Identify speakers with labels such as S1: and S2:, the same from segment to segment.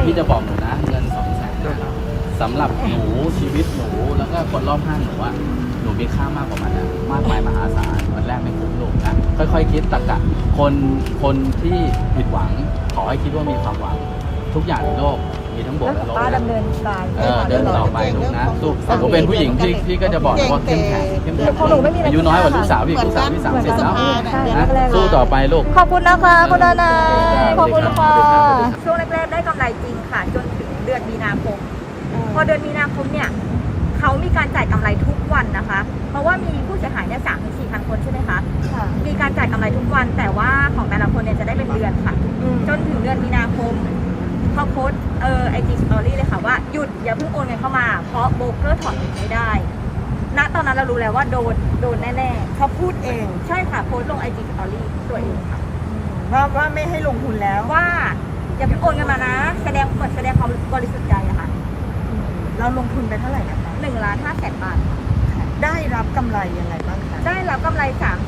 S1: พี่จะบอกหนูนะเงิน200,000สำหรับหนูชีวิตหนูแล้วก็คนรอบข้างหนูอะหนูมีค่ามากกว่ามันนะมากมายมหาศาลมันแรกไม่คุ้มลูกนะค่อยๆคิดตรรกะคนที่ผิดหวังขอให้คิดว่ามีความหวังทุกอย่างในโลกมีทั้งบวกและลบ
S2: ป้า
S1: นะ
S2: ดำเนินการ
S1: เดินต่อไปลูกนะสู้หนูเป็นผู้หญิงพี่ก็จะบอกว่าเข้มแข็งอายุน้อยกว่าลูกสาวพี่ลูกสาวพี่30แล้วนะสู้ต่อไปลูก
S2: ขอบคุณนะคะคุณทนายขอบคุณค่ะช่วงแรกๆได้กำไรจริงค่ะจนถึงเดือนมีนาคมพอเดือนมีนาคมเนี่ยเขามีการจ่ายกำไรทุกวันนะคะ เพราะว่ามีผู้เสียหายเนี่ย3-4,000 คนใช่ไหมคะมีการจ่ายกำไรทุกวันแต่ว่าของแต่ละคนเนี่ยจะได้เป็นเดือนค่ะจนถึงเดือนมีนาคมเขาโพสIG Story เลยค่ะว่าหยุดอย่าเพิ่งโอนเงินเข้ามาเพราะโบรกเกอร์ถอนเงินไม่ได้ณตอนนั้นเรารู้แล้วว่าโดนแน่ๆเขาพูดเองใช่ค่ะโพสต์ลง IG Story ตัวเองค่ะว่าไม่ให้ลงทุนแล้วว่าอย่าเพิ่งโอนเงินมานะแสดงความบริสุทธิ์ใจอะค่ะเราลงทุนไปเท่าไหร่นะคะ1,500,000 บาทได้รับกำไรยังไงบ้างคะได้รับกำไร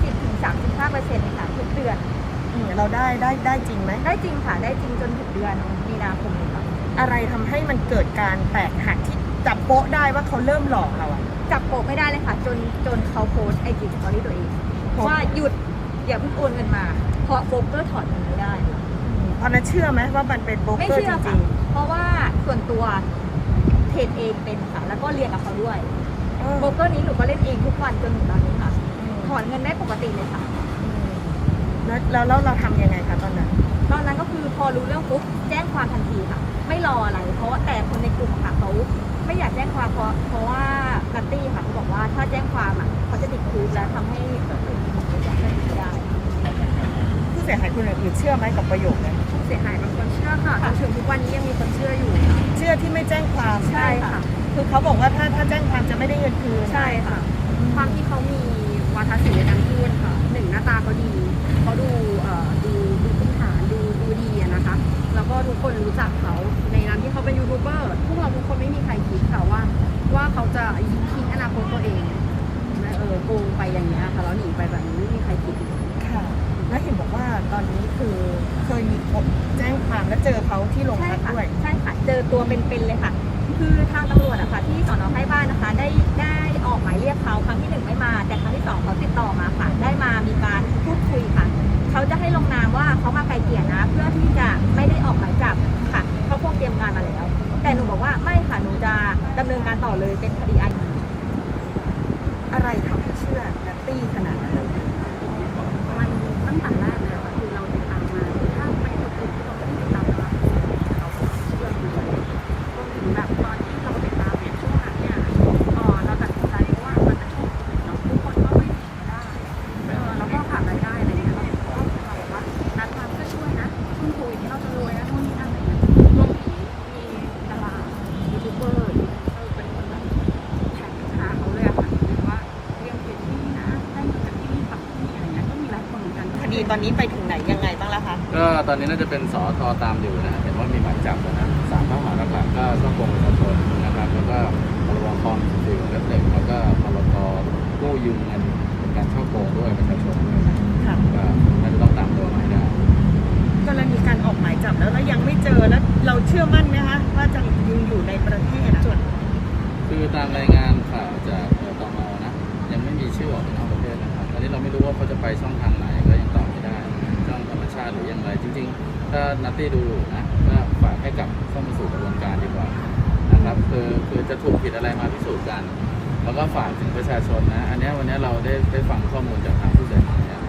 S2: 30-35% ค่ะทุกเดือนเราได้จริงไหมได้จริงค่ะได้จริงจนถึงเดือนมีนาคมเลยค่ะอะไรทำให้มันเกิดการแตกหักที่จับโป๊ะได้ว่าเขาเริ่มหลอกเราอะจับโป๊ะไม่ได้เลยค่ะจนเขาโพสไอจีสตอรี่ตัวเองว่าหยุดอย่าเพิ่งโอนเงินมาเพราะโบรกเกอร์ถอนเงินไม่ได้เพราะนั้นเชื่อไหมว่ามันเป็นโบรกเกอร์จริงๆเพราะว่าส่วนตัวเทรดเองเป็นค่ะแล้วก็เรียนกับเขาด้วยโบรกเกอร์นี้หนูก็เล่นเองทุกวันจนถึงตอนนี้ค่ะถอนเงินได้ปกติเลยค่ะแล้วเราทำยังไงคะตอนนั้นก็คือพอรู้เรื่องปุ๊บแจ้งความทันทีค่ะไม่รออะไรเพราะแต่คนในกลุ่มค่ะเขาไม่อยากแจ้งความเพราะว่านัตตี้ค่ะเขาบอกว่าถ้าแจ้งความอ่ะเขาจะติดคุกและทำให้เกิดเป็นคดีได้ผู้เสียหายคนอื่นเชื่อไหมกับประโยคนี้ผู้เสียหายบางคนเชื่อค่ะจนถึงทุกวันนี้ยังมีคนเชื่ออยู่เชื่อที่ไม่แจ้งความใช่ค่ะคือเขาบอกว่าถ้าแจ้งความจะไม่ได้เงินคืนใช่ค่ะความที่เขามีวาทศิลป์ในการพูดค่ะหนึ่งหน้าตาเขาดีเขาดูพื้นฐานดูดีนะคะแล้วก็ทุกคนรู้จักเขาในนามที่เขาเป็นยูทูบเบอร์พวกเราทุกคนไม่มีใครคิดค่ะว่าเขาจะทิ้งอนาคตตัวเองโกงไปอย่างเงี้ยค่ะแล้วหนีไปแบบนี้ไม่มีใครคิดค่ะแล้วเห็นบอกว่าตอนนี้คือเคยมีคนแจ้งความและเจอเขาที่โรงพักด้วยใช่ค่ะเจอตัวเป็นๆเลยค่ะคือทางตำรวจนะคะที่สน.ใกล้บ้านนะคะได้ออกหมายเรียกเขาครั้งที่1ไม่มาแต่ครั้งที่2เขาติดต่อมาค่ะได้มามีการพูดคุยค่ะเขาจะให้ลงนามว่าเขามาไกลเกลี่ยนะเพื่อที่จะไม่ได้ออกหมายจับค่ะเขาคงเตรียมการมาแล้วแต่หนูบอกว่าไม่ค่ะหนูจะดำเนินการต่อเลยเป็นคดีอาญาอะไรทำให้เชื่อนัตตี้ขนาดนั้นมันตั้งแต่แรกเลยค่ะคือเราติดตามมาถ้าไปคนอื่นที่เราไม่ได้ติดตามมาเราเชื่อเลยรวมถึงแบบตอนที่เราติดตามเนี่ยช่วงนั้นเนี่ยเราตัดสินใจว่ามันเป็นช่วงเราทุกคนก็ไม่ได้แล้วก็ขาดรายได้อะไรเงี้ยเราบอกว่านัดมาเพื่อช่วยนะช่วงโควิดที่เราจะรวยนะนู่นนี่นั่นอะไรเงี้ยรวมถึงมีดารายูทูบเบอร์เป็นคนแบบแท็กหาเขาเลยอะค่ะหรือว่าเรียกเพจที่นี่นะได้เงินจากที่นี่ฝั่งที่นี่อะไรเงี้ยก็มีหลายคนเหมือนกันคดีตอนนี้ไปถึงไหนยังไงบ้างแล้วคะ
S1: ก็ตอนนี้น่าจะเป็นสทตามอยู่นะเห็นว่ามีหมายจับนะ3 ข้อหาหลักๆก็ช่อโกงประชาชนนะครับแล้วก็พรบคอม14และ1แล้วก็พรบกู้ยืมเงินเป็นการช่อโกงด้วยประชาชนด้วยนะก็น่าจะต้องตามตัวหมายได้
S2: ก็เลยมีการออกหมายจับแล้วยังไม่เจอแล้วเราเชื่อมั่นไหมคะว่าจะยังอยู่ในประเทศส่วน
S1: คือตามรายงานข่าวจากตม.นะยังไม่มีชื่อออกนอกประเทศนะครับตอนนี้เราไม่รู้ว่าเขาจะไปช่องทางไหนก็ยังตอบไม่ได้ช่องธรรมชาติหรืออย่างไรจริงๆถ้านัตตี้ดูนะก็ฝากให้กับเข้ามาสู่กระบวนการดีกว่านะครับคือจะถูกผิดอะไรมาพิสูจน์กันแล้วก็ฝากถึงประชาชนนะอันนี้วันนี้เราได้ฟังข้อมูลจากทางผู้เสียหาย